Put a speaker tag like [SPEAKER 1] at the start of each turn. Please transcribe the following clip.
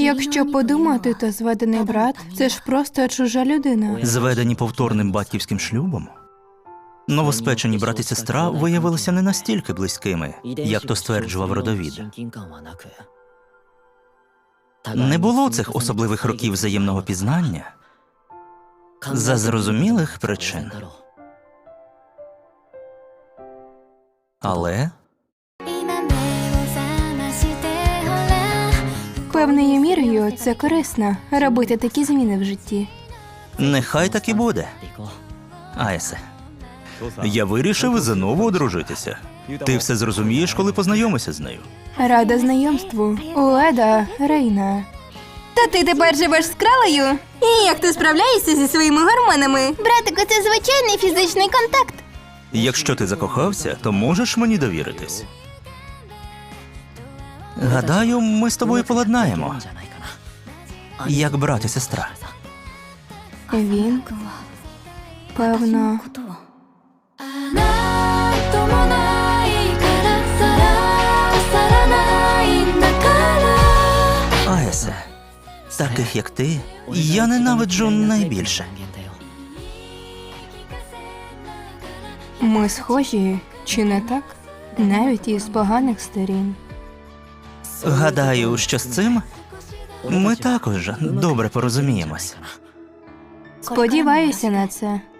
[SPEAKER 1] Якщо подумати, то зведений брат – це ж просто чужа людина.
[SPEAKER 2] Зведені повторним батьківським шлюбом, новоспечені брат і сестра виявилися не настільки близькими, як то стверджував родовід. Не було цих особливих років взаємного пізнання за зрозумілих причин. Але
[SPEAKER 1] Певною мірою це корисно – робити такі зміни в житті.
[SPEAKER 2] нехай так і буде. Аесе, я вирішив знову одружитися. Ти все зрозумієш, коли познайомишся з нею.
[SPEAKER 1] Рада знайомству. Уеда Рейна.
[SPEAKER 3] Та ти тепер живеш з кралею? І як ти справляєшся зі своїми гормонами? Братику, це звичайний фізичний контакт.
[SPEAKER 2] Якщо ти закохався, то можеш мені довіритись. Гадаю, ми з тобою поладнаємо. Як брат і сестра.
[SPEAKER 1] Він, певно,
[SPEAKER 2] Аесе, таких як ти, я ненавиджу найбільше.
[SPEAKER 1] ми схожі, чи не так? Навіть із поганих сторін.
[SPEAKER 2] Гадаю, що з цим ми також добре порозуміємось.
[SPEAKER 1] Сподіваюся на це.